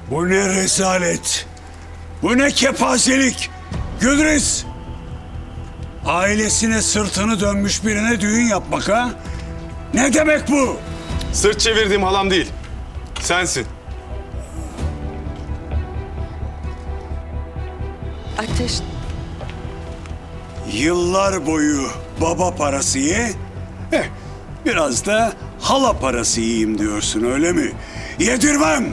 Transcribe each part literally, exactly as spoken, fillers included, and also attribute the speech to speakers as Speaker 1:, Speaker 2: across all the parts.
Speaker 1: Bu ne rezalet! Bu ne kepazelik! Gülriz! Ailesine sırtını dönmüş birine düğün yapmak ha? Ne demek bu?
Speaker 2: Sırt çevirdiğim halam değil. Sensin.
Speaker 3: Ateş,
Speaker 1: Yıllar boyu baba parası ye, eh, biraz da hala parası yiyeyim diyorsun öyle mi? Yedirmem!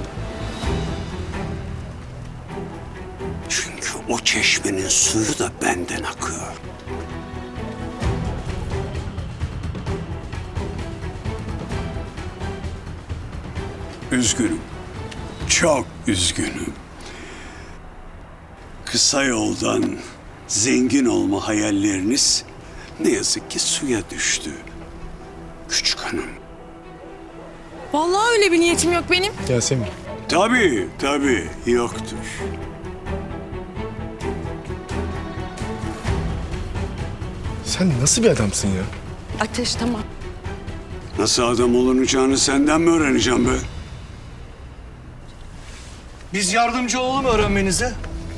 Speaker 1: Çünkü o çeşmenin suyu da benden akıyor. Üzgünüm. Çok üzgünüm. Kısa yoldan zengin olma hayalleriniz ne yazık ki suya düştü. Küçük hanım.
Speaker 4: Vallahi öyle bir niyetim yok benim.
Speaker 2: Yasemin.
Speaker 1: Tabii, tabii yoktur.
Speaker 2: Sen nasıl bir adamsın ya?
Speaker 3: Ateş tamam.
Speaker 1: Nasıl adam olunacağını senden mi öğreneceğim be?
Speaker 5: Biz yardımcı olalım öğrenmenize.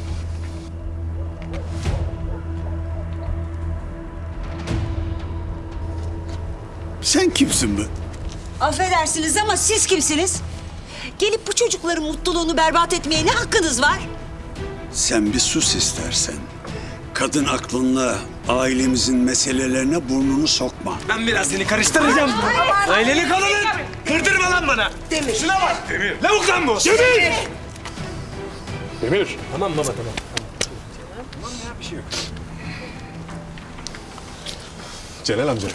Speaker 1: Sen kimsin be?
Speaker 6: Affedersiniz ama siz kimsiniz? Gelip bu çocukların mutluluğunu berbat etmeye ne hakkınız var?
Speaker 1: Sen bir sus istersen. Kadın aklınla ailemizin meselelerine burnunu sokma.
Speaker 5: Ben biraz seni karıştıracağım. Aileni kalının. Kırdırma lan bana. Demir. Şuna bak. Demir. Lavuk lan bu. Demir.
Speaker 2: Demir.
Speaker 5: Tamam baba tamam.
Speaker 2: Celal amca.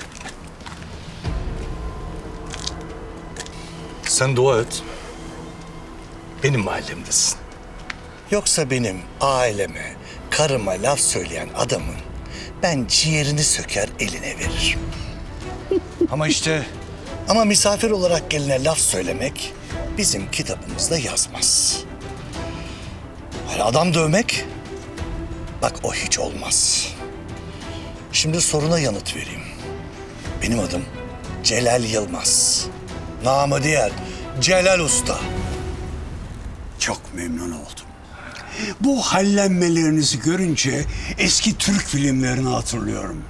Speaker 7: Sen dua et. Benim mahallemdesin. Yoksa benim aileme, karıma laf söyleyen adamın ben ciğerini söker eline veririm.
Speaker 5: Ama işte
Speaker 7: Ama misafir olarak geline laf söylemek bizim kitabımızda yazmaz. Hani adam dövmek, bak o hiç olmaz. Şimdi soruna yanıt vereyim. Benim adım Celal Yılmaz. Namı diğer Celal Usta.
Speaker 1: Çok memnun oldum. Bu hallenmelerinizi görünce eski Türk filmlerini hatırlıyorum.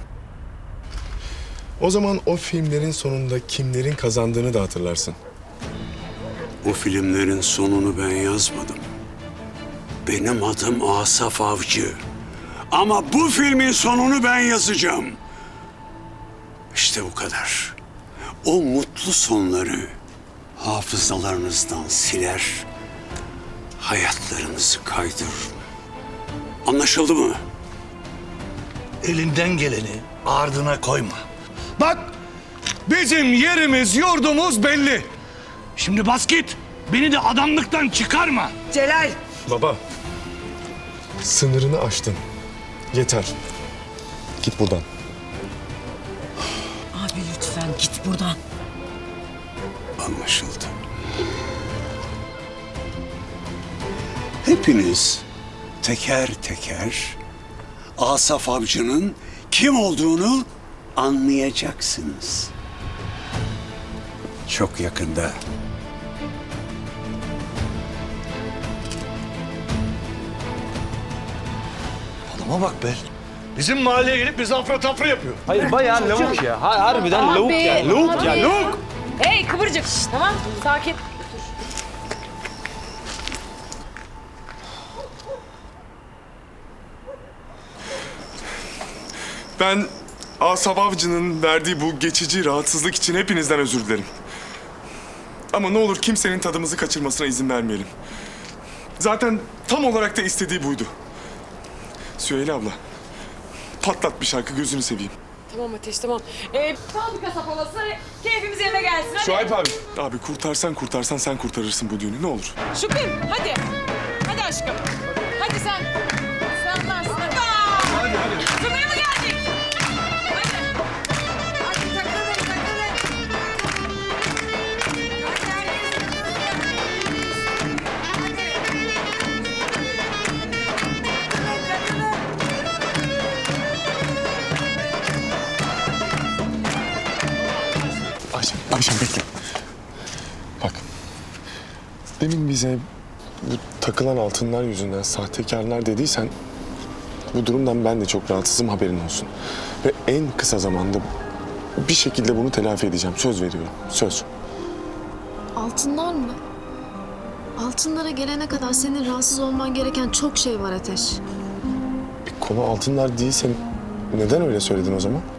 Speaker 2: O zaman o filmlerin sonunda kimlerin kazandığını da hatırlarsın.
Speaker 1: O filmlerin sonunu ben yazmadım. Benim adım Asaf Avcı. Ama bu filmin sonunu ben yazacağım. İşte bu kadar. O mutlu sonları hafızalarınızdan siler, hayatlarınızı kaydırırım. Anlaşıldı mı?
Speaker 7: Elinden geleni ardına koyma.
Speaker 5: bak bizim yerimiz yurdumuz belli. Şimdi bas git. Beni de adamlıktan çıkarma.
Speaker 6: Celal.
Speaker 2: Baba. Sınırını aştın. Yeter. Git buradan.
Speaker 6: Abi lütfen git buradan.
Speaker 1: Anlaşıldı. Hepiniz teker teker Asaf Avcı'nın kim olduğunu anlayacaksınız. Çok yakında.
Speaker 5: Adama bak be. Bizim mahalleye gelip bizi afra tafra yapıyor.
Speaker 8: Hayır bayağı lavuk ya. Ha, harbiden lavuk ya. Lavuk ya lavuk.
Speaker 4: Hey kıvırcık. Tamam sakin.
Speaker 2: Ben Asaf Avcı'nın verdiği bu geçici rahatsızlık için hepinizden özür dilerim. Ama ne olur kimsenin tadımızı kaçırmasına izin vermeyelim. Zaten tam olarak da istediği buydu. Süheyla abla, patlat bir şarkı gözünü seveyim.
Speaker 4: Tamam Ateş tamam. Ee, fabrika sapalası keyfimiz yerine gelsin hadi.
Speaker 2: Şuayb abi. Abi kurtarsan kurtarsan sen kurtarırsın bu düğünü ne olur.
Speaker 4: Şükrü hadi. Hadi aşkım. Hadi sen. Sen varsın hadi. Hadi hadi. Kınaya mı geldik? Hadi. Hadi takalım takalım. Hadi herkes
Speaker 2: Ayşem, Ayşem bekle. Bak, demin bize bu takılan altınlar yüzünden sahtekarlar dediysen bu durumdan ben de çok rahatsızım, haberin olsun. Ve en kısa zamanda bir şekilde bunu telafi edeceğim. Söz veriyorum. Söz.
Speaker 9: Altınlar mı? Altınlara gelene kadar senin rahatsız olman gereken çok şey var Ateş.
Speaker 2: Konu altınlar değilse neden öyle söyledin o zaman?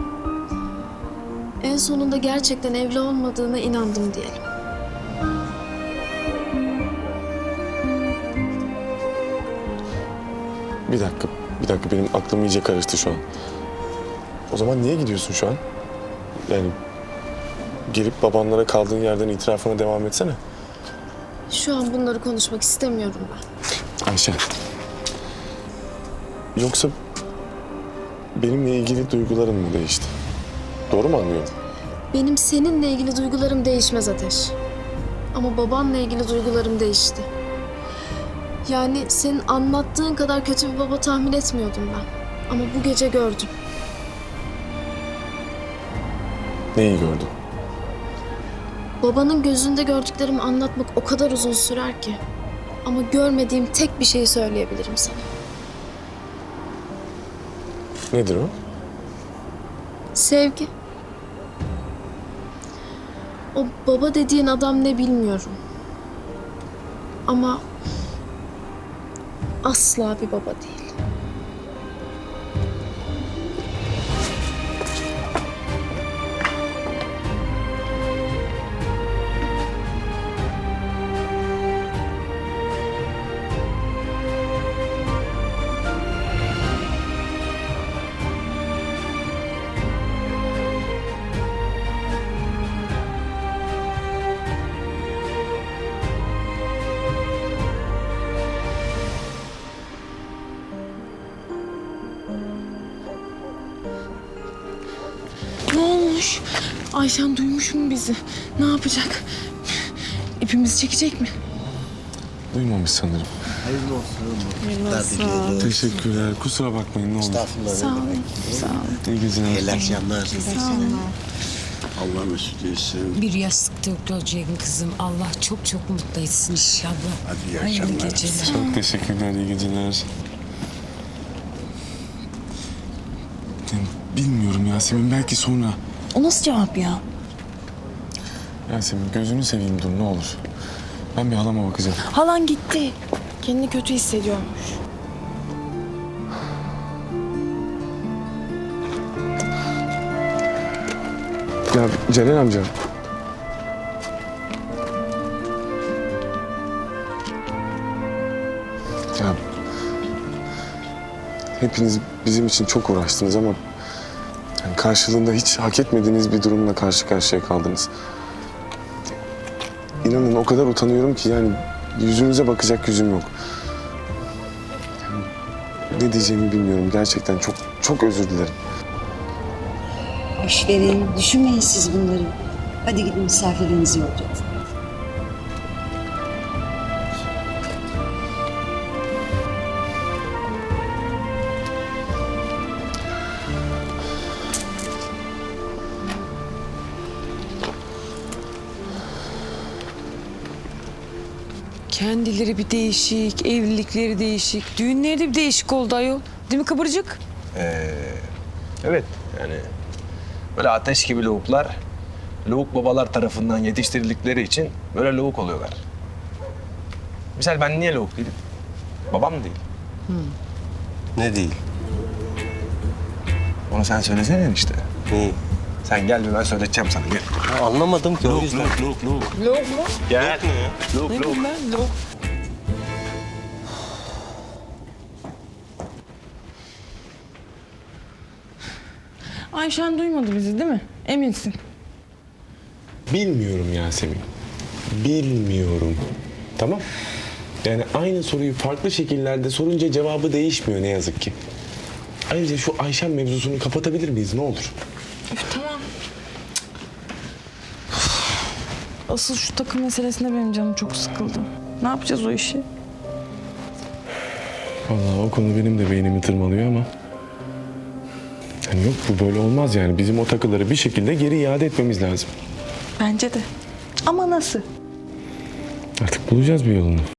Speaker 9: En sonunda gerçekten evli olmadığına inandım diyelim.
Speaker 2: Bir dakika, bir dakika benim aklım iyice karıştı şu an. O zaman niye gidiyorsun şu an? Yani gelip babanlara kaldığın yerden itirafına devam etsene.
Speaker 9: Şu an bunları konuşmak istemiyorum ben.
Speaker 2: Ayşe. Yoksa benimle ilgili duyguların mı değişti? Doğru mu anlıyorum?
Speaker 9: Benim seninle ilgili duygularım değişmez Ateş. Ama babanla ilgili duygularım değişti. Yani senin anlattığın kadar kötü bir baba tahmin etmiyordum ben. Ama bu gece gördüm.
Speaker 2: Neyi gördün?
Speaker 9: Babanın gözünde gördüklerimi anlatmak o kadar uzun sürer ki. Ama görmediğim tek bir şeyi söyleyebilirim sana.
Speaker 2: Nedir o?
Speaker 9: Sevgi. O baba dediğin adam ne bilmiyorum. Ama asla bir baba değil.
Speaker 4: Ne olmuş? Ayşen duymuş mu bizi? Ne yapacak? İpimizi çekecek mi?
Speaker 2: Duymamış sanırım.
Speaker 7: Hayırlı olsun.
Speaker 2: Teşekkürler. Kusura bakmayın ne olur.
Speaker 7: Estağfurullah.
Speaker 4: Sağ olun. Sağ olun.
Speaker 2: İyi geceler.
Speaker 7: İyi akşamlar.
Speaker 1: Allah mesut etsin.
Speaker 10: Bir yastıkta olacaksın kızım. Allah çok çok mutlu etsin inşallah.
Speaker 1: Hadi iyi
Speaker 10: Hayırlı
Speaker 1: akşamlar.
Speaker 10: geceler.
Speaker 2: Çok teşekkürler. İyi geceler. Yani bilmiyorum Yasemin. Belki sonra.
Speaker 4: O nasıl cevap ya?
Speaker 2: Yasemin gözünü seveyim dur ne olur. Ben bir halama bakacağım.
Speaker 4: Halan gitti. Kendini kötü hissediyormuş.
Speaker 2: Ya Celal amca. Ya hepiniz bizim için çok uğraştınız ama yani karşılığında hiç hak etmediğiniz bir durumla karşı karşıya kaldınız. İnanın o kadar utanıyorum ki yani yüzünüze bakacak yüzüm yok. Yani ne diyeceğimi bilmiyorum. Gerçekten çok çok özür dilerim.
Speaker 6: Boş verin, düşünmeyin siz bunları. Hadi gidin misafirlerinizi yollayın.
Speaker 3: Kendileri bir değişik, evlilikleri değişik, düğünleri de bir değişik oldu ayol. Değil mi Kıvırcık?
Speaker 8: Evet yani böyle ateş gibi lavuklar lavuk babalar tarafından yetiştirildikleri için böyle lavuk oluyorlar. Misal ben niye lavuk değilim? Babam değil.
Speaker 11: Ne değil?
Speaker 8: Onu sen söylesene işte.
Speaker 11: Neyi?
Speaker 8: Sen gel bir ben söyleteceğim sana gel.
Speaker 11: Ya anlamadım ki o yüzden.
Speaker 8: Lavuk lavuk lavuk.
Speaker 3: Lok mu?
Speaker 8: Gel.
Speaker 11: Ne ya?
Speaker 8: Lavuk
Speaker 3: Ne
Speaker 8: lavuk.
Speaker 3: bileyim ben, lok. Ayşen duymadı bizi değil mi? Eminsin.
Speaker 2: Bilmiyorum Yasemin. Bilmiyorum. Tamam. Yani aynı soruyu farklı şekillerde sorunca cevabı değişmiyor ne yazık ki. Ayrıca şu Ayşen mevzusunu kapatabilir miyiz ne olur?
Speaker 3: Üf, tamam. Asıl şu takım meselesinde benim canım çok sıkıldı. Ne yapacağız o işi?
Speaker 2: Vallahi o konu benim de beynimi tırmalıyor ama... Yani yok bu böyle olmaz yani. Bizim o takıları bir şekilde geri iade etmemiz lazım.
Speaker 3: Bence de. Ama nasıl?
Speaker 2: Artık bulacağız bir yolunu.